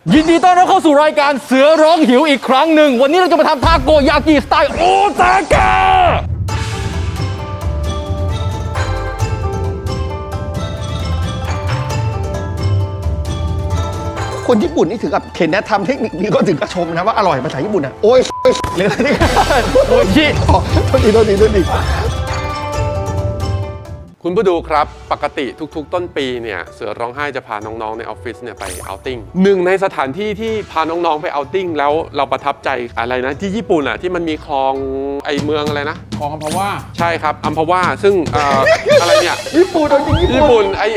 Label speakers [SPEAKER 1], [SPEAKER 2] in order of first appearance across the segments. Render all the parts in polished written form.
[SPEAKER 1] ยินดีต้อนรับเข้าสู่รายการเสือร้องหิวอีกครั้งหนึ่งวันนี้เราจะมาทำทาโกยากิสไตล์โอซาก้า
[SPEAKER 2] คนญี่ปุ่นนี่ถึงกับเห็นนะทำเทคนิคนี้ก็ถึงกับชมนะว่าอร่อยภาษาญี่ปุ่นอ่ะโอ้ยหรืออะไรนี่โอ้ยยี่โทษที
[SPEAKER 3] คุณผู้ดูครับปกติทุกๆต้นปีเนี่ยเสือร้องไห้จะพาน้องๆในออฟฟิศเนี่ยไปเอาท์ติ้งหนึ่งในสถานที่ที่พาน้องๆไปเอาท์ติ้งแล้วเราประทับใจอะไรนะที่ญี่ปุ่นอ่ะที่มันมีคลองไอเมืองอะไรนะ
[SPEAKER 4] คลองอัมพวา
[SPEAKER 3] ใช่ครับอัมพวาซึ่งอะไรเนี่ย
[SPEAKER 2] ญี่ปุ่นเอาจริง
[SPEAKER 3] ญี่ปุ่นไอ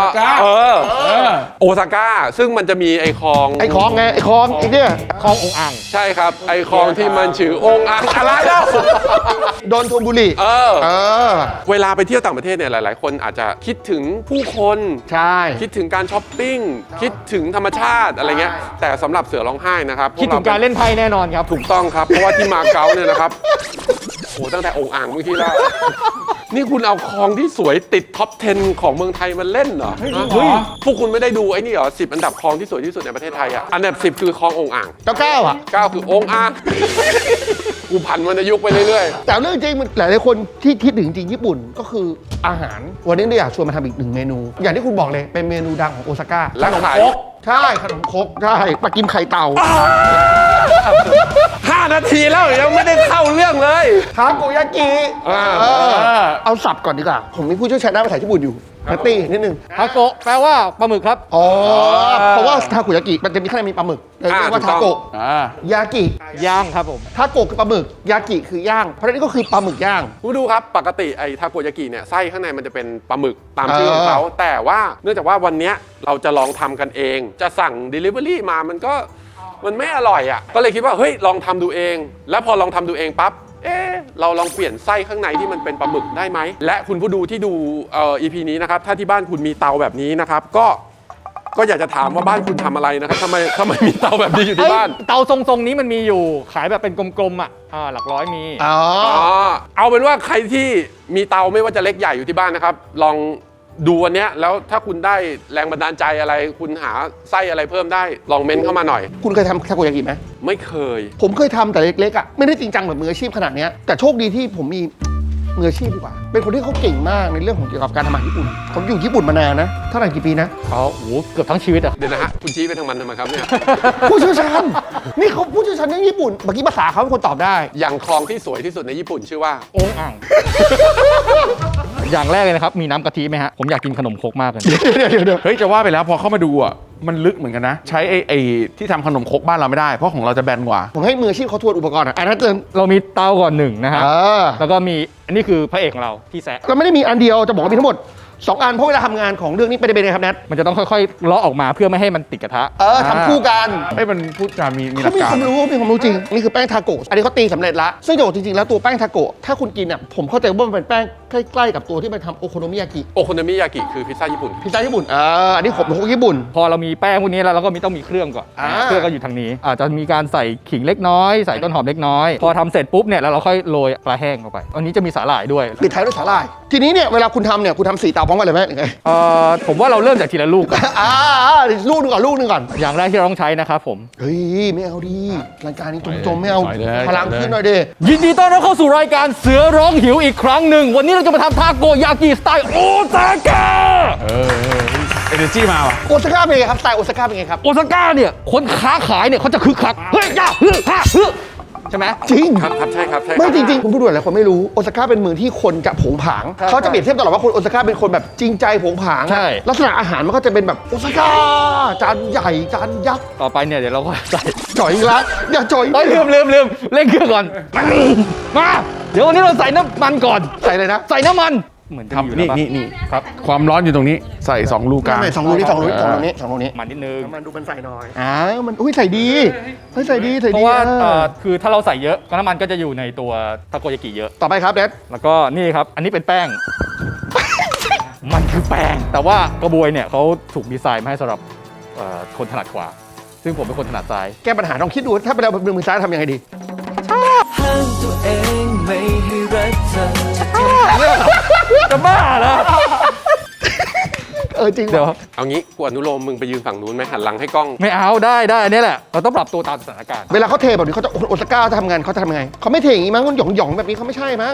[SPEAKER 3] โอซาก้าซึ่งมันจะมีไอคลอง
[SPEAKER 2] ไงไอคลองไอเนี่ย
[SPEAKER 1] คลององอ่าง
[SPEAKER 3] ใช่ครับไอคลองที่มันชื่อองอ่างอะไรแล้ว
[SPEAKER 2] โดนทบุรี
[SPEAKER 3] เวลาไปเที่ยวต่างประเทศเนี่ยหลายๆคนอาจจะคิดถึงผู้คน
[SPEAKER 2] ใช่
[SPEAKER 3] คิดถึงการช้อปปิ้งคิดถึงธรรมชาติอะไรเงี้ยแต่สำหรับเสือร้องไห้นะครับ
[SPEAKER 1] คิดถึงการเล่นไพ่แน่นอนครับ
[SPEAKER 3] ถูกต้องครับเพราะว่าที่มาเก๊าเนี่ยนะครับโอ้ตั้งแต่องอ่างเมื่อกี้แล้วนี่คุณเอาคลองที่สวยติดท็อป 10 ของเมืองไทยมาเล่นเหรอเฮ้ยพวกคุณไม่ได้ดูไอ้นี่เหรอ10 อันดับคลองที่สวยที่สุดในประเทศไทยอ่ะอันดับ10คือคลององอ่าง
[SPEAKER 2] 9อ่ะ
[SPEAKER 3] 9คือองอ่างกูผันวรรณยุกต์ไปเรื่อย
[SPEAKER 2] ๆแต่เรื่องจริงมันหลายๆคนที่คิดถึงจริงญี่ปุ่นก็คืออาหารวันนี้เราอยากชวนมาทำอีกหนึ่งเมนูอย่างที่คุณบอกเลยเป็นเมนูดังของโอซาก้า
[SPEAKER 3] ขนมครก
[SPEAKER 2] ใช่ขนมครกใช่ปลากิมไข่เต่า
[SPEAKER 3] 5 นาทีแล้วยังไม่ได้เข้าเรื่องเลย
[SPEAKER 2] ทาโกยากิเอาสับก่อนดีกว่าผมมีผู้เชี่ยวชาญด้านภาษาญี่ปุ่นอยู่นัตตี้นิดนึง
[SPEAKER 1] ทาโกะแปลว่าปลาหมึกครับ
[SPEAKER 2] เพราะว่าทาโกยากิมันจะมีข้างในมีปลาหมึกเรียกว่าทาโกะยากิ
[SPEAKER 1] ย่างครับผม
[SPEAKER 2] ทาโกะคือปลาหมึกยากิคือย่างเพราะนี่ก็คือปลาหมึกย่าง
[SPEAKER 3] คุณดูครับปกติไอ้ทาโกยากิเนี่ยไส้ข้างในมันจะเป็นปลาหมึกตามชื่อของเขาแต่ว่าเนื่องจากว่าวันนี้เราจะลองทำกันเองจะสั่ง Delivery มามันไม่อร่อยอ่ะก็เลยคิดว่าเฮ้ยลองทำดูเองแล้วพอลองทำดูเองปั๊บเราลองเปลี่ยนไส้ข้างในที่มันเป็นปลาหมึกได้ไหมและคุณผู้ดูที่ดูEP นี้นะครับถ้าที่บ้านคุณมีเตาแบบนี้นะครับก็อยากจะถามว่าบ้านคุณทำอะไรนะครับทำไมมีเตาแบบนี้อยู่ที่บ้าน
[SPEAKER 1] เตาทรงๆนี้มันมีอยู่ขายแบบเป็นกลมๆอ่ะหลักร้อยมี
[SPEAKER 3] เอาเป็นว่าใครที่มีเตาไม่ว่าจะเล็กใหญ่อยู่ที่บ้านนะครับลองดูวันนี้แล้วถ้าคุณได้แรงบันดาลใจอะไรคุณหาไส้อะไรเพิ่มได้ลองเม้นเข้ามาหน่อย
[SPEAKER 2] คุณเคยทำทาโกยากิไหม
[SPEAKER 3] ไม่เคย
[SPEAKER 2] ผมเคยทำแต่เล็กๆอ่ะไม่ได้จริงจังแบบมืออาชีพขนาดนี้แต่โชคดีที่ผมมีมืออาชีพดีกว่าเป็นคนที่เขาเก่งมากในเรื่องของเกี่ยวกับการทำอาหารญี่ปุ่นผมอยู่ญี่ปุ่นมานานนะเท่าไหร่กี่ปีนะ
[SPEAKER 1] โอ้โหเกือบทั้งชีวิตอ่ะ
[SPEAKER 3] เดี๋ยวนะฮะคุณชี้ไปทางมันทำไมครับเนี่ย
[SPEAKER 2] ผู้เชี่ยวชาญนี่เขาผู้เชี่ยวชาญเรื่องญี่ปุ่นเมื่อกี้ภาษาเขาเป็นคนตอบได้
[SPEAKER 3] อย่างคลองที่สวยที่สุดในญี่ปุ่นชื่อว่า
[SPEAKER 1] องอ่างอย่างแรกเลยนะครับมีน้ำกะทิไหมฮะผมอยากกินขนมครกมากเลย
[SPEAKER 4] เดี๋ยวเฮ้ยจะว่าไปแล้วพอเข้ามาดูอ่ะมันลึกเหมือนกันนะใช้ไอ้ที่ทำขนมครกบ้านเราไม่ได้เพราะของเราจะแบนกว่า
[SPEAKER 2] ผมให้มืออาชีพเขาทวนอุปกรณ์อันนั้นเตือน
[SPEAKER 1] เรามีเตาก่อน1นะฮะแล้วก็มีอันนี้คือพระเอกของเราพี่แซะ
[SPEAKER 2] เราไม่ได้มีอันเดียวจะบอกว่ามีทั้งหมด2 อันเพราะเวลาทำงานของเรื่องนี้เป็นไงครับแนท
[SPEAKER 1] มันจะต้องค่อยๆเลาะออกมาเพื่อไม่ให้มันติดกระทะ
[SPEAKER 2] ทำคู่กัน
[SPEAKER 4] ให้มันพูดจามีหลักการ
[SPEAKER 2] มีความรู้จริงนี่คือแป้งทาโกะอันนี้เขาตีสำเร็จละซึ่งจริงๆแล้วตัวแป้งทาโกะถ้าคุณกินอ่ะผมเข้าใจว่ามันเป็นแป้งใกล้ๆกับตัวที่มันทำโอโคโนมิยากิ
[SPEAKER 3] คือพิซซ่าญี่ปุ่น
[SPEAKER 2] อันนี้ผมเป็นคนญี่ปุ่น
[SPEAKER 1] พอเรามีแป้งพวกนี้แล้วเราก็ต้องมีเครื่องก่อนเครื่องก็อยู่ทางนี้อาจจะมีการใส่ขิงเล็กน้อยใส่ต้นหอมเล็กน้อยพอทำเสร็จปุ๊บเนี่ยแล้วเราค่อยโรยปลาแห้งเข้าไปอันนี้จะมีสาหร่ายด้วย
[SPEAKER 2] ปิดท้ายด้วยสาหร่ายทีนี้เนี่ยเวลาคุณทำเนี่ยคุณทำ4 เตาพร้อมกันเลยไหม
[SPEAKER 1] ผมว่าเราเริ่มจากทีละลูก
[SPEAKER 2] ลูกหนึ่งก่อน
[SPEAKER 1] อย่างแรกที่เราต้องใช้นะครับผม
[SPEAKER 2] เฮ้ยไม่เอาดีรายการนี้จมไม่เอาพลังขึ้นหน่อยดิ
[SPEAKER 1] ยินดีต้อนรับเข้าสู่รายการเสือร้องหิวอีกครั้งหนึ่งวันนี้เราจะมาทำทาโกยากิสไตล์โอซาก้า
[SPEAKER 4] เอเนอร์จี้มาว่ะ
[SPEAKER 2] โอซาก้าเป็นไงครับสไตล์โอซาก้าเป็นไงครับ
[SPEAKER 1] โอซาก้าเนี่ยคนค้าขายเนี่ยเขาจะคึกคักเฮ้ยย่าใช่ไหม
[SPEAKER 2] จริง
[SPEAKER 3] ครับใช่ครับ
[SPEAKER 2] ไม่จริงๆคุณผู้ดูหลายคนไม่รู้โอซาก้าเป็นเมืองที่คนจะผงผางเขาจะเปรียบเทียบตลอดว่าคนโอซาก้าเป็นคนแบบจริงใจผงผางลักษณะอาหารมันก็จะเป็นแบบโอซาก้าจานใหญ่จานยักษ์
[SPEAKER 1] ต่อไปเนี่ยเดี๋ยวเราก็ใส่
[SPEAKER 2] จ่อยอีกแล้วอย่าจ่อย
[SPEAKER 1] ลืมเล่นเครื่องก่อนมาเดี๋ยววันนี้เราใส่น้ำมันก่อน
[SPEAKER 2] ใส่เลยนะ
[SPEAKER 1] ใส่น้ำมันเหมือน
[SPEAKER 4] ทำนี่ครับความร้อนอยู่ตรงนี้ใส่2 ลูกกลาง
[SPEAKER 2] 2 ลูกนี้2 ลูกนี้
[SPEAKER 1] มันนิดนึง
[SPEAKER 2] มันดูมันใส่น้อยมันใส่ดีใส่ดี
[SPEAKER 1] เพราะว่าคือถ้าเราใส่เยอะน้ำมันก็จะอยู่ในตัวทาโกยากิเยอะ
[SPEAKER 2] ต่อไปครับเดช
[SPEAKER 1] แล้วก็นี่ครับอันนี้เป็นแป้งมันคือแป้งแต่ว่ากระบวยเนี่ยเขาถูกดีไซน์มาให้สำหรับคนถนัดขวาซึ่งผมเป็นคนถนัดซ้าย
[SPEAKER 2] แก้ปัญหาลองคิดดูถ้าเป็นเรามือซ้ายทำยังไงดีห้ามตัวเองไม่ให้รักเธอ
[SPEAKER 1] จะบ้าเหรอ
[SPEAKER 2] จริง
[SPEAKER 1] เดี๋ยว
[SPEAKER 3] เอางี้กูอนุโลมมึงไปยืนฝั่งนู้นไหมหันหลังให้กล้อง
[SPEAKER 1] ไม่เอาได้อันนี้แหละเราต้องปรับตัวตามสถานการณ์
[SPEAKER 2] เวลาเขาเทแบบนี้เขาจะโอซาก้าจะทำงานเขาจะทำยังไงเขาไม่เทอย่างนี้มั้งมันหย่องๆแบบนี้เขาไม่ใช่มั้ง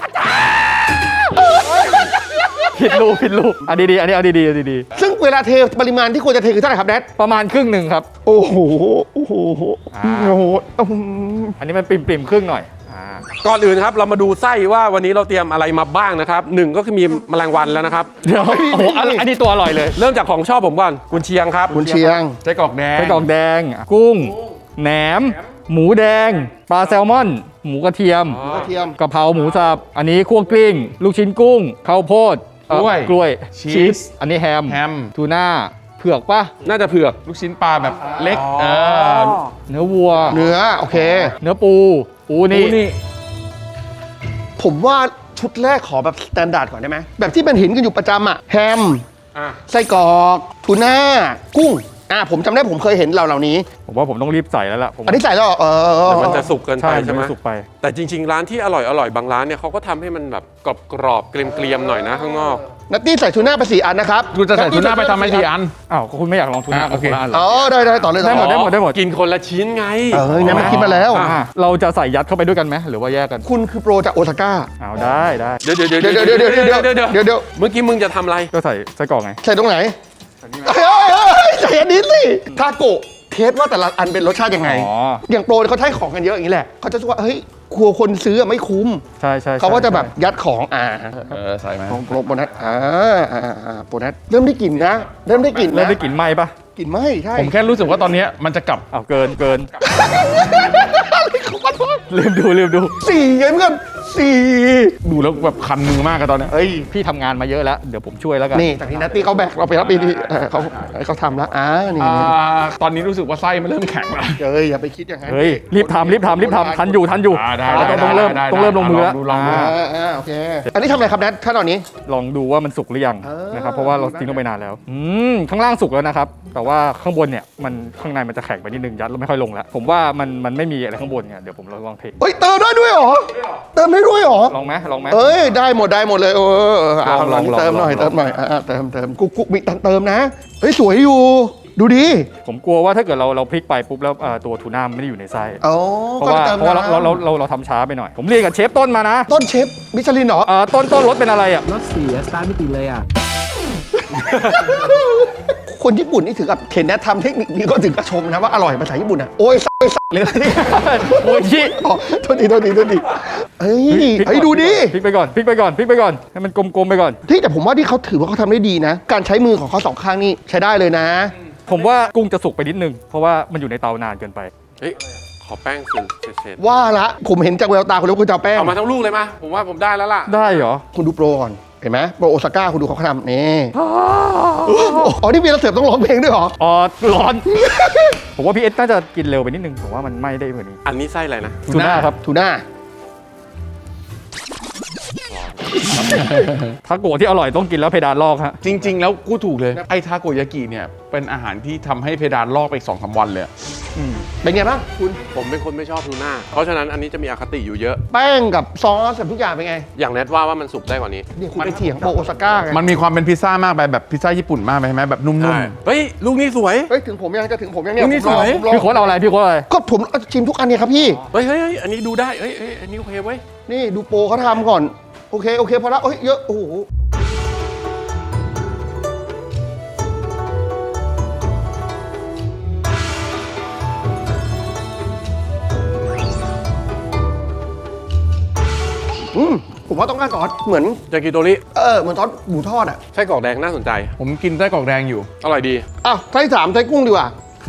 [SPEAKER 1] ผิดรูปอันดีๆอันนี้เอาดี
[SPEAKER 2] ซึ่งเวลาเทปริมาณที่ควรจะเทคือเท่าไหร่ครับแดด
[SPEAKER 1] ประมาณครึ่งหนึ่งครับ
[SPEAKER 2] โอ้โหโอ้โห
[SPEAKER 1] อ่า
[SPEAKER 2] โอ้โห
[SPEAKER 1] อันนี้มันปริ่มครึ่งหน่อยอ่า
[SPEAKER 3] ก่อนอื่นครับเรามาดูไส้ว่าวันนี้เราเตรียมอะไรมาบ้างนะครับหนึ่งก็คือมีแมลงวันแล้วนะครับ
[SPEAKER 1] เดี๋ยวโอ้โหอันนี้ตัวอร่อยเลย
[SPEAKER 3] เริ่มจากของชอบผมก่อนกุนเชียงครับ
[SPEAKER 2] คุณเชียง
[SPEAKER 4] ไส้กรอกแดง
[SPEAKER 1] ไส้กรอกแดง กุ้ง แหนม หมูแดง ปลาแซลมอน หมูกระเทียม
[SPEAKER 2] กระเทียม
[SPEAKER 1] กะเพราหมูสับ อันนี้คั่วกลิ้ง ลูกชิ้นกุ้ง ข้าวโพดกล้วย
[SPEAKER 4] ชีส
[SPEAKER 1] อันนี้แฮม
[SPEAKER 4] แฮม
[SPEAKER 1] ทูน่า เผือกปะ
[SPEAKER 3] น่าจะเผือก
[SPEAKER 4] ลูกชิ้นปลาแบบเล็ก
[SPEAKER 1] เนื้อวัว
[SPEAKER 2] เนื้อโอเค
[SPEAKER 1] เนื้อปู ปูนี่
[SPEAKER 2] ผมว่าชุดแรกขอแบบสแตนดาร์ดก่อนได้ไหมแบบที่มันเห็นกันอยู่ประจำอะแฮม
[SPEAKER 3] อ่ะ
[SPEAKER 2] ไส้กรอกทูน่ากุ้งผมจำได้ผมเคยเห็นเหล่านี้
[SPEAKER 1] ผมว่าผมต้องรีบใส่แล้วล่ะผม
[SPEAKER 2] อันนี้ใส่แล้วเหรอ
[SPEAKER 3] เดี๋ยวมันจะสุกเกินไป
[SPEAKER 1] ใช่
[SPEAKER 3] ใช่ไหม
[SPEAKER 1] นสุกไป
[SPEAKER 3] แต่จริง ๆ ร้านที่อร่อยบางร้านเนี่ยเขาก็ทำให้มันแบบกรอบๆเกรียมๆหน่อยนะข้างนอก
[SPEAKER 2] นัตตี้ใส่ทูน่าไป4 อันนะครับ
[SPEAKER 4] กูจะใส่ทูน่าไปทำไม4 อัน
[SPEAKER 1] อ้าวคุณไม่อยากลองทูน่า
[SPEAKER 4] โอเค
[SPEAKER 1] คนละอันเหร
[SPEAKER 2] อ๋
[SPEAKER 1] อ
[SPEAKER 2] อได้ต่อเลย
[SPEAKER 1] ได้หมดได้หมด
[SPEAKER 3] กินคนละชิ้นไง
[SPEAKER 2] เนี่ยมันคิดมาแล้ว
[SPEAKER 1] อ่ะเราจะใส่ยัดเข้าไปด้วยกันไหมหรือว่าแยกกัน
[SPEAKER 2] คุณคือโปรจากโอซาก้า
[SPEAKER 1] เอาได้
[SPEAKER 3] เดี๋ยว
[SPEAKER 2] เดี๋ยว
[SPEAKER 3] เมื่อกี้มึงจะทำอะไร
[SPEAKER 1] ก็ใส่ไส้กรอกไง
[SPEAKER 2] ใส่ตรงไหนใส่อันนี้สิทาโกะเทสว่าแต่ละอันเป็นรสชาติยังไง
[SPEAKER 1] อ๋อ
[SPEAKER 2] อย่างโปรเขาใช้ของกันเยอะอย่างนี้แหละเขาจะรู้ว่าเฮ้ยกลัวคนซื้อไม่คุ้ม
[SPEAKER 1] ใช่
[SPEAKER 2] เขาก็จะแบบยัดของ
[SPEAKER 4] ใส่ไหม
[SPEAKER 2] ของโปรนัทโปรนัทเริ่มได้กลิ่นนะ เริ่มได้กลิ่น
[SPEAKER 1] เริ่
[SPEAKER 2] นะ
[SPEAKER 1] มได้กลิ่นไหม้ปะ
[SPEAKER 2] กลิ่นไหมใช่
[SPEAKER 4] ผมแค่รู้สึกว่าตอนเนี้ยมันจะกลับ
[SPEAKER 1] อ้าวเกินลืมดู
[SPEAKER 2] สี่ไงเพื่อนสี่
[SPEAKER 4] ดูแล้วแบบคันมือมากอะตอนเนี้ย
[SPEAKER 2] เฮ้ย
[SPEAKER 1] พี่ทำงานมาเยอะแล้วเดี๋ยวผมช่วยแล้วกัน
[SPEAKER 2] นี่จากที่นัตตี้เขาแบกเราไปรับปีนี้เขาทำแล้วนี่
[SPEAKER 4] ตอนนี้รู้สึกว่าไส้มันเริ่มแข็งแล้ว
[SPEAKER 2] อย่าไปคิดอย่างนั้น
[SPEAKER 1] เฮ้ยรีบทำทันอยู่
[SPEAKER 4] ได้
[SPEAKER 1] ต้องเริ่มลงมือแล้ว
[SPEAKER 4] ลองดู
[SPEAKER 2] โอเคอันนี้ทำอะไรครับแนทขั้นตอนนี้
[SPEAKER 1] ลองดูว่ามันสุกหรือยังนะครับเพราะว่าเราทิ้งลงไปนานแล้วข้างล่างสุกแล้วนะครับแต่ว่าข้างบนเนี่ยมันข้างในมันจะแข็งไปนิดนึงยัดแล้วไม่ค่อยลงแล้วผมว่ามันไม่มีอะไรข้างบนไงเดี๋ยวผมลองเท
[SPEAKER 2] เฮ้ยเติมได้ด้วยเหรอเติมได้ด้วยเหรอ
[SPEAKER 1] ลองไหม
[SPEAKER 2] เอ้ยได้หมดเลย
[SPEAKER 1] ลอง
[SPEAKER 2] เติมหน่อย
[SPEAKER 1] ลอง
[SPEAKER 2] เติมกุ๊กมีเติมนะเฮ้ยสวยอยู่ดูดี
[SPEAKER 1] ผมกลัวว่าถ้าเกิดเราพลิกไปปุ๊บแล้วตัวทูน่ามันไม่ได้อยู่ในไส้ เพราะว่าเราทำช้าไปหน่อย ผมเรียนกับเชฟต้นมานะ
[SPEAKER 2] ต้นเชฟมิชลินเหรอ
[SPEAKER 1] ต้นรถเป็นอะไรอ่ะ
[SPEAKER 5] รถเสียสตาร์ทไม่ติดเลยอ่ะ
[SPEAKER 2] คนญี่ปุ่นนี่ถึงกับเห็นแนททำเทคนิคนี้ก็ถึงกับชมนะว่าอร่อยภาษาญี่ปุ่นอ่ะโอ้ยเลยนะนี่
[SPEAKER 1] โอ้ยชิ
[SPEAKER 2] โทษทีเฮ้ยดูดิ
[SPEAKER 1] พลิกไปก่อนให้มันกลมๆไปก่อน
[SPEAKER 2] ที่แต่ผมว่าที่เขาถือว่าเขาทำได้ดีนะ การใช้มือของเขาสองข้างนี่ใช้ได้เลยนะ
[SPEAKER 1] ผมว่ากุ้งจะสุกไปนิดนึงเพราะว่ามันอยู่ในเตานานเกินไป
[SPEAKER 3] เฮ้ยขอแป้งสื่อเศษ
[SPEAKER 2] ว่าละผมเห็นจากแววตาคุณแล้วคุณจะเอาแป้ง
[SPEAKER 3] เอามาทั้งลูกเลยมาผมว่าผมได้แล้วล่ะ
[SPEAKER 1] ได้เหรอ
[SPEAKER 2] คุณดูโปรก่อนเห็นไหมโปรโอซาก้าคุณดูเขาทำนี่อ๋อนี่เวลาเสิร์ฟต้องร้องเพลงด้วยเหรอ
[SPEAKER 1] อ๋อร้อน ผมว่าพี่เอสน่าจะกินเร็วไปนิดนึงผมว่ามันไหม้ได้กว่านี้
[SPEAKER 3] อันนี้ไส้อะไรนะ
[SPEAKER 1] ทูน่าครับ
[SPEAKER 2] ทูน่า
[SPEAKER 1] ทาโกะที่อร่อยต้องกินแล้วเพดานลอกฮะ
[SPEAKER 4] จริง ๆ แล้วกูถูกเลย ไอ้ทาโกยากิเนี่ยเป็นอาหารที่ทำให้เพดานลอกไปอีก 2-3 วันเลย
[SPEAKER 2] เป็นไงบ้างคุณ
[SPEAKER 3] ผมเป็นคนไม่ชอบทูน่าเพราะฉะนั้นอันนี้จะมีอคติอยู่เยอะ
[SPEAKER 2] แป้งกับซอสกับทุกอย่างเป็นไง
[SPEAKER 3] อย่างแนทว่ามันสุกได้กว่านี้
[SPEAKER 2] เนี่ยคุณไปเถียงโปรโอซาก้าไง
[SPEAKER 4] มันมีความเป็นพิซซ่ามากไปแบบพิซซ่าญี่ปุ่นมากไปใช่ไหมแบบนุ่ม
[SPEAKER 3] เฮ้ยลูกนี้สวย
[SPEAKER 2] เฮ้ยถึงผมยังจะถึงผมยังเนี่ย
[SPEAKER 3] นี่สวย
[SPEAKER 2] ผมรอ
[SPEAKER 1] พี่โค้ดเอาอะไรพี่โค้ดอะไร
[SPEAKER 2] ก็ผมชิมทุกอันเนี่ยครับพี่
[SPEAKER 3] เฮ้ยอันนี้ดูได้เฮ้ยอันนี้โอเคเว้ย
[SPEAKER 2] นี่ดูโปรเขาทำก่อนโอเคพอละเฮ้ยเยอะโอ้โหผมว่าต้องการซอสเหมือน
[SPEAKER 3] ยากิโตริ
[SPEAKER 2] เหมือนซอสหมูทอดอ่ะ
[SPEAKER 3] ไส้กรอกแดงน่าสนใจ
[SPEAKER 4] ๆ ผมกินไส้กรอกแดงอยู่
[SPEAKER 3] อร่อยดี
[SPEAKER 2] อ้าวไส้สามไส้กุ้งดีกว่า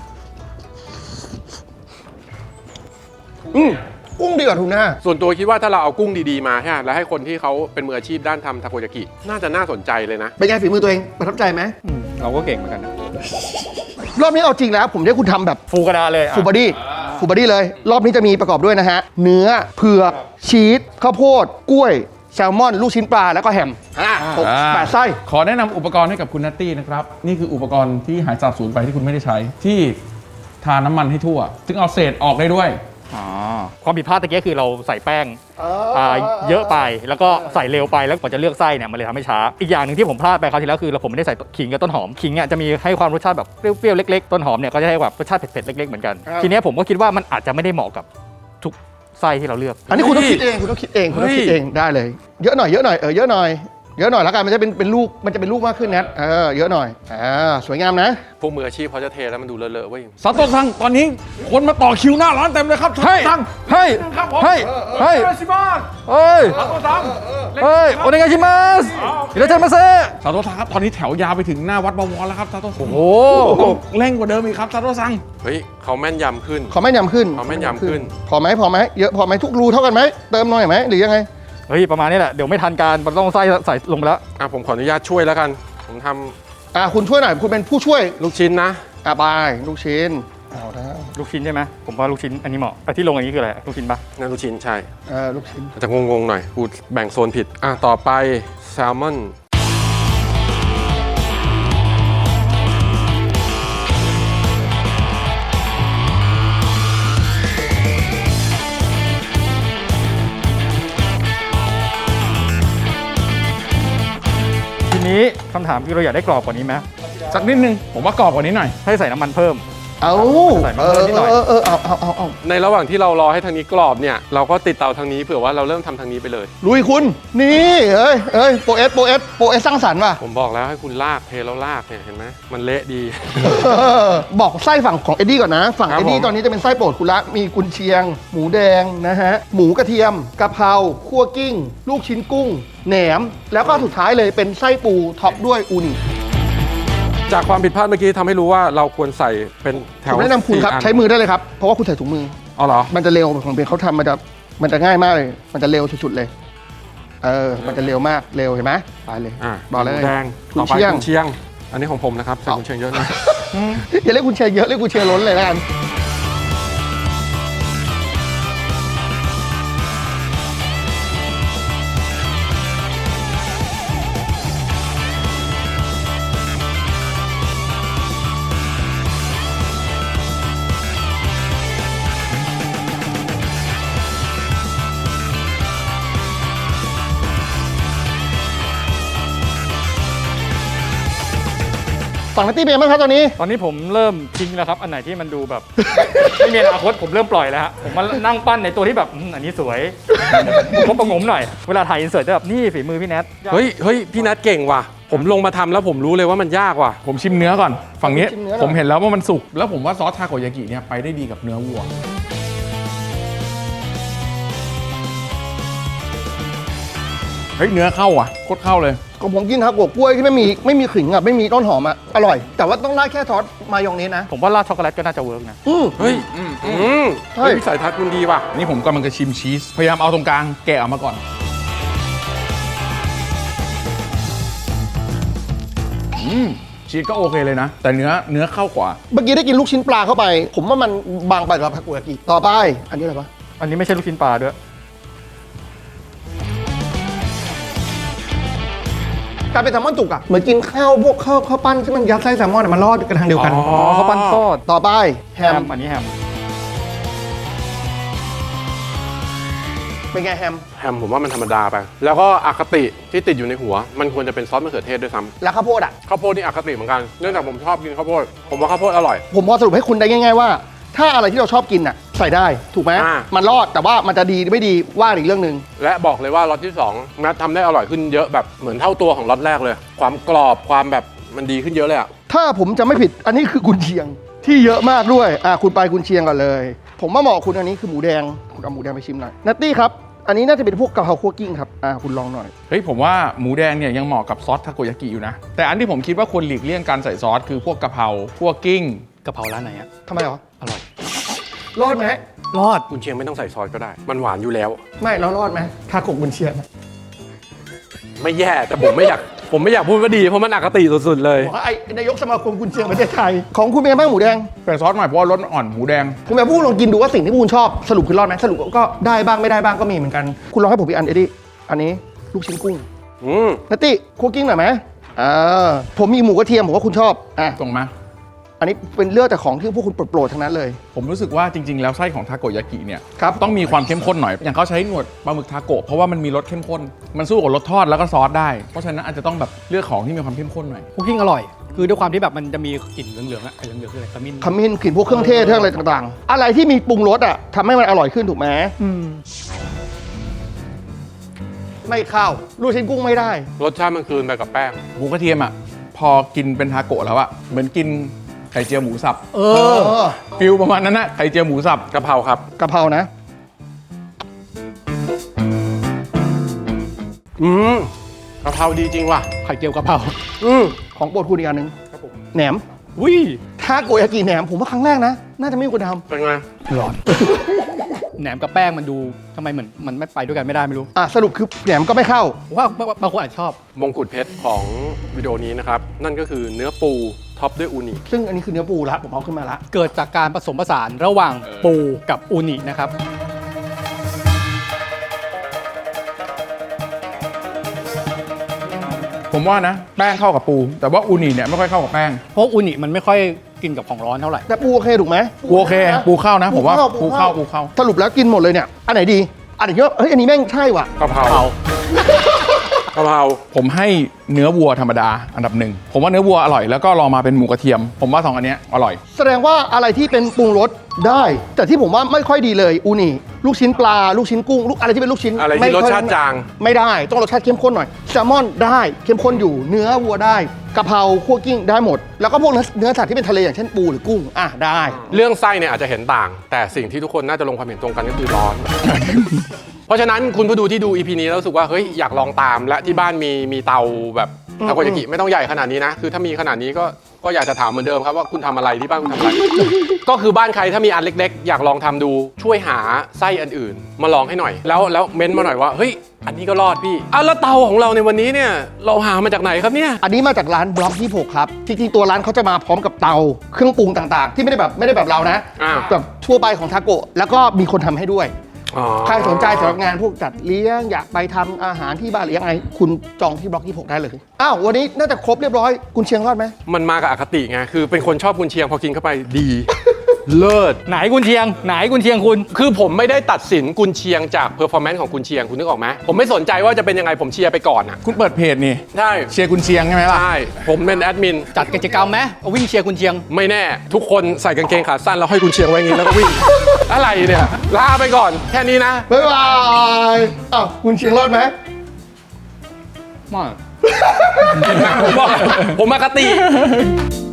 [SPEAKER 2] กุ้งดีกว่าทูน่า
[SPEAKER 3] ส่วนตัวคิดว่าถ้าเราเอากุ้งดีๆมาใช่ไหมแล้วให้คนที่เขาเป็นมืออาชีพด้านทำทาโกยากิน่าจะน่าสนใจเลยนะ
[SPEAKER 2] เป็นไงฝีมือตัวเองประทับใจไหม
[SPEAKER 1] เราก็เก่งเหมือนกันนะ
[SPEAKER 2] รอบนี้เอาจริงแล้วผมจะให้คุณทำแบบ
[SPEAKER 1] ฟูกระดาษเลย
[SPEAKER 2] ฟูลบอดี้เลย รอบนี้จะมีประกอบด้วยนะฮะ เนื้อเผือกชีสข้าวโพดกล้วยแซลมอน ลูกชิ้นปลาแล้วก็แฮม8 ไส้
[SPEAKER 4] ขอแนะนำอุปกรณ์ให้กับคุณนัตตี้นะครับ นี่คืออุปกรณ์ที่หายสาบสูญไปที่คุณไม่ได้ใช้ ที่ทาน้ำมันให้ทั่ว ซึ่งเอาเศษออกได้ด้วย
[SPEAKER 1] อ๋อความผิดพลาดตะกี้คือเราใส่แป้งเยอะไปแล้วก็ใส่เร็วไปแล้วกว่าจะเลือกไส้เนี่ยมันเลยทำให้ช้าอีกอย่างหนึ่งที่ผมพลาดไปคราวที่แล้วคือผมไม่ได้ใส่ขิงกับต้นหอมขิงเนี่ยจะมีให้ความรสชาติแบบเปรี้ยวๆเล็กๆต้นหอมเนี่ยก็จะให้แบบรสชาติเผ็ดๆเล็กๆเหมือนกันทีนี้ผมก็คิดว่ามันอาจจะไม่ได้เหมาะกับทุกไส้ที่เราเลือก
[SPEAKER 2] อันนี้คุณต้องคิดเองคุณต้องคิดเองคุณต้องคิดเองได้เลยเยอะหน่อยเยอะหน่อยเยอะหน่อยเยอะหน่อยแล้วกันมันจะเป็นลูกมันจะเป็นลูกมากขึ้นนะเยอะหน่อยสวยงามนะ
[SPEAKER 3] พวกมืออาชีพเขาจะเทแล้วมันดูเลอะๆเว้ย
[SPEAKER 4] ซาโตะซังตอนนี้คนมาต่อคิวหน้าร้านเต็มเลยครับ
[SPEAKER 1] เฮ้ย
[SPEAKER 4] ซัง
[SPEAKER 1] เฮ้ย
[SPEAKER 4] ครับผม
[SPEAKER 1] เฮ้ยเฮ้ย
[SPEAKER 4] ชิบาน
[SPEAKER 1] เฮ้ย
[SPEAKER 4] ซาโตะซัง
[SPEAKER 1] เฮ้ยโอเนกาชิมัสอิราเชมาเซ
[SPEAKER 4] ซาโตะซังครับตอนนี้แถวยาวไปถึงหน้าวัดบวรแล้วครับซาโตะซัง
[SPEAKER 1] โอ้
[SPEAKER 4] ต้องเร่งกว่าเดิมอีกครับซาโตะซัง
[SPEAKER 3] เฮ้ยเขาแม่นยำขึ้น
[SPEAKER 2] ขอแม่นยำขึ้น
[SPEAKER 3] ขอแม่นยำขึ้น
[SPEAKER 2] พอไหมเยอะพอไหมทุกรูเท่ากันไหมเติมหน่อยไหมหรือยังไง
[SPEAKER 1] เฮ้ยประมาณนี้แหละเดี๋ยวไม่ทันการมันต้องใส่ลงไปแล้ว
[SPEAKER 3] ผมขออนุญาตช่วยแล้วกันผมท
[SPEAKER 2] คุณช่วยหน่อยคุณเป็นผู้ช่วย
[SPEAKER 3] ำลูกชิ้นนะ
[SPEAKER 2] ไปลูกชิ้นเอาแล้ว
[SPEAKER 1] ลูกชิ้นใช่ไหมผมว่าลูกชิ้นอันนี้เหมาะไอ้ที่ลงอย่างนี้คืออะไรลูกชิ้นปะ
[SPEAKER 3] นั่นลูกชิ้นใช่
[SPEAKER 2] ลูกชิ้น
[SPEAKER 3] จะงงๆหน่อยกูแบ่งโซนผิดต่อไปแซลมอน
[SPEAKER 1] ทีนี้คำถามคือเราอยากได้กรอบกว่านี้ไหม
[SPEAKER 4] สักนิดนึงผมว่ากรอบกว่านี้หน่อย
[SPEAKER 1] ให้ใส่น้ำมันเพิ่ม
[SPEAKER 2] เอา
[SPEAKER 1] ใส่มาเพิ่มนิดหน่อย
[SPEAKER 2] เอา
[SPEAKER 3] ในระหว่างที่เรารอให้ทางนี้กรอบเนี่ยเราก็ติดเตาทางนี้เผื่อว่าเราเริ่มทำทางนี้ไปเลย
[SPEAKER 2] ลุยคุณนี่โปรเอสสร้างสรรค์ว่ะ
[SPEAKER 3] ผมบอกแล้วให้คุณลากเทแล้วลากเนี่ยเห็นไหมมันเละดี
[SPEAKER 2] บอกไส้ฝั่งของเอ็ดดี้ก่อนนะ ฝั่ง
[SPEAKER 3] ครับ
[SPEAKER 2] เอ็ดดี้
[SPEAKER 3] ผม
[SPEAKER 2] ตอนนี้จะเป็นไส้โปรดคุณละมีกุนเชียง หมูแดงนะฮะหมูกระเทียมกะเพราคั่วกิ้ง ลูกชิ้นกุ้ง แหนม แล้วก็สุดท้ายเลยเป็นไส้ปูท็อปด้วยอูนิ
[SPEAKER 3] จากความผิดพลาดเมื่อกี้ทำให้รู้ว่าเราควรใส่เป็นแถ
[SPEAKER 2] ผ
[SPEAKER 3] ว
[SPEAKER 2] มแนะนำคุณครับ
[SPEAKER 3] 4
[SPEAKER 2] ใช้มือได้เลยครับเพราะว่าคุณใส่ถุงมือ
[SPEAKER 3] เอาเหรอ
[SPEAKER 2] มันจะเร็วของเบนเขาทำมันจะง่ายมากเลย มันจะเร็วสุดๆเลยมันจะเร็วมากเร็วเห็นไหมไปเลยบอกเลย
[SPEAKER 3] หมูแดง
[SPEAKER 2] กุ
[SPEAKER 3] ต่
[SPEAKER 2] น
[SPEAKER 3] อไป
[SPEAKER 2] เชียง
[SPEAKER 3] กุนเชียง อันนี้ของผมนะครับใส่กุนเชียงเยอะนะ
[SPEAKER 2] อย่าเรียกคุณเชียร์เยอะเรียกคุณเชียร์ล้นเลยแล้วกัน ฝั่งนัตตี้เป็นไงบ้างครับตอนนี้
[SPEAKER 1] ตอนนี้ผมเริ่มทิ้งแล้วครับอันไหนที่มันดูแบบ ไม่มีอนาคตผมเริ่มปล่อยแล้วฮะผมมานั่งปั้นในตัวที่แบบอันนี้สวยผมประงมหน่อยเวลาถ่ายอินเสิร์ตจะแบบนี่ฝีมือพี่แนท
[SPEAKER 3] เฮ้ยพี่นัทเก่งว่ะผมลงมาทำแล้วผมรู้เลยว่ามันยากว่ะ
[SPEAKER 4] ผมชิมเนื้อก่อน ฝั่งนี้
[SPEAKER 2] ชิมเนื้อหน่อย
[SPEAKER 4] ผมเห็นแล้วว่ามันสุก แล้วผมว่าซอสทาโกยากิเนี่ยไปได้ดีกับเนื้อวัว เฮ้ยเนื้อเข้าอ่ะโคตรเข้าเลย
[SPEAKER 2] ของผมกินทาโกะกล้วยที่ไม่มีขิงอ่ะไม่มีต้นหอมอ่ะอร่อย แต่ว่าต้องราดแค่ซอสมายองเนสนะ
[SPEAKER 1] ผมว่าราดช็อกโกแลตก็น่าจะเวิร์กนะ
[SPEAKER 3] เฮ้ย
[SPEAKER 2] ใช่
[SPEAKER 3] วิสัยทัศน์คุณดีว่ะ
[SPEAKER 4] นี่ผมกำลังจะชิมชีส พยายามเอาตรงกลางแกะออกมาก่อนชีสก็โอเคเลยนะ แต่เนื้อเข้ากว่า
[SPEAKER 2] เมื่อกี้ได้กินลูกชิ้นปลาเข้าไป ผมว่ามันบางไปกับทาโกยากิต่อไปอันนี้อะไรปะ
[SPEAKER 1] อันนี้ไม่ใช่ลูกชิ้นปลาด้วย
[SPEAKER 2] กลายเป็นแซลมอนจุกอ่ะเหมือนกินข้าวพวกข้าวปั้นที่มันยัดไส้แซลมอนอะมันรอดกันทางเดียวกัน
[SPEAKER 1] อ๋อเขาปั้นทอด
[SPEAKER 2] ต่อไปแฮ
[SPEAKER 1] แฮ
[SPEAKER 2] ม
[SPEAKER 1] มอันนี้แฮม
[SPEAKER 2] เป็นไงแฮม
[SPEAKER 3] แฮมผมว่ามันธรรมดาไป แล้วก็อคติที่ติดอยู่ในหัว มันควรจะเป็นซอสมะเขือเทศด้วยซ้
[SPEAKER 2] แล้วข้าวโพดอ่ะ
[SPEAKER 3] ำข้าวโพดนี่อคติเหมือนกัน เนื่องจากผมชอบกินข้าวโพด ผมว่าข้าวโพดอร่อย
[SPEAKER 2] ผมพอสรุปให้คุณได้ง่ายๆว่า ถ้าอะไรที่เราชอบกินอ่ะใส่ได้ถูกไหม
[SPEAKER 3] อ่า
[SPEAKER 2] มันรอดแต่ว่ามันจะดีไม่ดีว่าอีกเรื่องหนึ่ง
[SPEAKER 3] และบอกเลยว่าล็อตที่2นัททำได้อร่อยขึ้นเยอะแบบเหมือนเท่าตัวของล็อตแรกเลย ความกรอบความแบบมันดีขึ้นเยอะเลยอะ
[SPEAKER 2] ถ้าผมจะไม่ผิดอันนี้คือกุนเชียงที่เยอะมากด้วยคุณไปกุนเชียงก่อนเลย ผมว่าเหมาะคุณอันนี้คือหมูแดงคุณเอาหมูแดงไปชิมหน่อยนัตตี้ครับอันนี้น่าจะเป็นพวกกะเพราคั่วกิ้งครับคุณลองหน่อย
[SPEAKER 4] เฮ้ยผมว่าหมูแดงเนี่ยยังเหมาะกับซอสทาโกยากิอยู่นะ แต่อันที่ผมคิดว่าควรหลีกเลี่ยงการใส่ซอสคือพวกกะเพราพวกกิ้ง
[SPEAKER 1] กะเพราร้านไหนอะ
[SPEAKER 2] ทำไมหรอ
[SPEAKER 1] อร่อย
[SPEAKER 2] รอดไหม
[SPEAKER 1] รอด
[SPEAKER 3] กุนเชียงไม่ต้องใส่ซอสก็ได้ มันหวานอยู่แล้ว
[SPEAKER 2] ไม่เรารอดไหมทาโกะกุนเชียง
[SPEAKER 3] ไม่แย่แต่ผมไม่อยากพูดว่าดีเพราะมันอคติสุดๆเลย
[SPEAKER 2] บอกว่าไอ้นายกสมาคมกุนเชียงประเทศไทยของคุณเป็นไงบ้างหมูแดง
[SPEAKER 4] ใส่ซอสหน่อยเพราะว่ารสอ่อนหมูแดง
[SPEAKER 2] ผมอยากพูดลองกินดูว่าสิ่งที่คุณชอบสรุปคือรอดไหมสรุปก็ได้บ้างไม่ได้บ้างก็มีเหมือนกัน คุณลองให้ผมอีกอันเอ็ดดี้อันนี้ลูกชิ้นกุ้ง นัตตี้คั่วกิ้งหน่อยไหมผมมีหมูกระเทียมผมว่าคุณชอบ
[SPEAKER 4] ตรงมา
[SPEAKER 2] อันนี้เป็นเลือกแต่ของที่พวกคุณโปรดๆทั้งนั้นเลย
[SPEAKER 4] ผมรู้สึกว่าจริง ๆ แล้วไส้ของทาโกยากิเนี่ย
[SPEAKER 2] ครับ
[SPEAKER 4] ต้องมีความเข้มข้นหน่อย อย่างเขาใช้หนวดปลาหมึกทาโกะเพราะว่ามันมีรสเข้มข้น มันสู้กับรสทอดแล้วก็ซอสได้ เพราะฉะนั้นอาจจะต้องแบบเลือกของที่มีความเข้มข้นหน่อย
[SPEAKER 1] คุกกิ้งอร่อย คือด้วยความที่แบบมันจะมีกลิ่นเหลืองๆอะไอ้เหลืองๆคืออะไรขมิ้น
[SPEAKER 2] ขมิ้นกลิ่นพวกเครื่องเทศเครื่องอะไรต่างๆ อะไรที่มีปรุงรสอ่ะทำให้มันอร่อยขึ้นถูกไหมไม่เข้าลูกชิ้นกุ้งไม่ได้
[SPEAKER 3] รสชาติมันคืนไปกับแป้ง
[SPEAKER 4] หมูกระเทียมอ่ะพอกินเป็นทาโกะแล้วอ่ะเหมือนกินไข่เจียวหมูสับ
[SPEAKER 1] เอ
[SPEAKER 2] เอ
[SPEAKER 1] อ
[SPEAKER 2] อ
[SPEAKER 4] ฟิลประมาณนั้นนะไข่เจียวหมูสับ
[SPEAKER 3] กะเพราครับ
[SPEAKER 2] กะเพรานะ
[SPEAKER 3] กะเพราดีจริงว่ะ
[SPEAKER 1] ไข่เจียวกะเพรา
[SPEAKER 2] ของโปรดคุณอีกอันหนึงแหนม
[SPEAKER 1] อุ้ย
[SPEAKER 2] ถ้าโกยากิแหนมผมว่าครั้งแรกนะ น่าจะไม่มีคนท
[SPEAKER 3] เป็นไง
[SPEAKER 1] ร้อนแหนมกับแป้งมันดูทำไมเหมือนมันไม่ไปด้วยกันไม่ได้ไม่รู้
[SPEAKER 2] ำสรุปคือแหนมก็ไม่เข้า
[SPEAKER 1] ผมว่าบางคนอาจจะชอบ
[SPEAKER 3] มงกุฎเพชรของวิดีโอนี้นะครับ นั่นก็คือเนื้อปูท็อปด้วยอูนิ
[SPEAKER 2] ซึ่งอันนี้คือเนื้อปูละผมเอาขึ้นมาละ
[SPEAKER 1] เกิดจากการผสมผสานระหว่างปูกับอูนินะครับ
[SPEAKER 4] ผมว่านะแป้งเข้ากับปู แต่ว่าอูนิเนี่ยไม่ค่อยเข้ากับแป้ง
[SPEAKER 1] เพราะอูนิมันไม่ค่อยกินกับของร้อนเท่าไหร่
[SPEAKER 2] แต่ปูโอเคถูกไหม
[SPEAKER 4] ปูโอเคปูเข้านะผมว่าปูเข้า
[SPEAKER 2] สรุปแล้วกินหมดเลยเนี่ย อันไหนดี อันไหนเฮ้ยอันนี้แม่งใช่ว่ะ
[SPEAKER 3] กะเพรากะเพรา
[SPEAKER 4] ผมให้เนื้อวัวธรรมดาอันดับหนึ่งผมว่าเนื้อวัวอร่อยแล้วก็ลองมาเป็นหมูกระเทียม ผมว่าสองอันเนี้ยอร่อย
[SPEAKER 2] แสดงว่าอะไรที่เป็นปรุงรสได้ แต่ที่ผมว่าไม่ค่อยดีเลยอูนิลูกชิ้นปลาลูกชิ้นกุ้งลูกอะไรที่เป็นลูกชิ้น
[SPEAKER 3] อะไร
[SPEAKER 2] ม่
[SPEAKER 3] ที่รส
[SPEAKER 2] ค่อย
[SPEAKER 3] ชาติจาง
[SPEAKER 2] ไม่ได้ต้องรสชาติเข้มข้นหน่อยแซลมอนได้เข้มข้นอยู่เนื้อวัวได้กะเพราคั่วกิ้งได้หมด แล้วก็พวกเนื้อสัตว์ที่เป็นทะเลอย่างเช่นปูหรือกุ้งได้
[SPEAKER 3] เรื่องไส้เนี่ยอาจจะเห็นต่าง แต่สิ่งที่ทุกคนน่าจะลงความเห็นตรงกันก็คือร้อน เพราะฉะนั้นคุณผู้ดูที่ดู EP นี้แล้วรู้สึกว่าเฮ้ยอยากลองตามและที่บ้านมีเตาแบบทาโกยากิไม่ต้องใหญ่ขนาดนี้นะ คือถ้ามีขนาดนี้ก็อยากจะถามเหมือนเดิมครับว่าคุณทำอะไรที่บ้านคุณทำอะไร ก็คือบ้านใครถ้ามีอันเล็กๆ อยากลองทำดูช่วยหาไส้อันอื่น มาลองให้หน่อย แล้วเม้นต์มาหน่อยว่าเฮ้ยอันนี้ก็รอดพี่แล้วเตาของเราในวันนี้เนี่ยเราหามาจากไหนครับเนี่ย
[SPEAKER 2] อันนี้มาจากร้านบล็อก26ครับจริงๆตัวร้านเขาจะมาพร้อมกับเตาเครื่องปรุงต่างๆ ที่ไม่ได้แบบเรานะ
[SPEAKER 3] อ่า
[SPEAKER 2] แบบทั่วไปของทาโกะแล้วก็มีคนทำให้ด้วย
[SPEAKER 3] อ๋อ
[SPEAKER 2] ใครสนใจสำหรับงานพวกจัดเลี้ยงอยากไปทำอาหารที่บ้านหรือยังไงคุณจองที่บล็อก26ได้เลยอ้าววันนี้น่าจะครบเรียบร้อยกุนเชียงรอดไหม
[SPEAKER 3] มันมากับอคติไงคือเป็นคนชอบกุนเชียงพอกินเข้าไปดี เลิศ
[SPEAKER 1] ไหนกุนเชียง ไหนกุนเชียงคุณ
[SPEAKER 3] คือผมไม่ได้ตัดสินกุนเชียงจากเพอร์ฟอร์แมนซ์ของกุนเชียงคุณนึกออกไหมผมไม่สนใจว่าจะเป็นยังไงผมเชียร์ไปก่อนอ่ะ
[SPEAKER 4] คุณเปิดเพจนี่
[SPEAKER 3] ใช่
[SPEAKER 4] เชียร์คุณเชียงใช่ไหมล่ะ
[SPEAKER 3] ใช่ผมเป็นแอดมิน
[SPEAKER 1] จัดกิจกรรมไหมเอาวิ่งเชียร์กุนเชียง
[SPEAKER 3] ไม่แน่ ทุกคนใส่กางเกงขาสั้นแล้วให้กุนเชียงไว้อย่างนี้แล้วก็วิ่ง อะไรเนี่ยลาไปก่อนแค่นี้นะ
[SPEAKER 2] บ๊ายบายอ้าวกุนเชียงรอดไหม
[SPEAKER 1] มาก
[SPEAKER 3] ผมบอกผมอคติ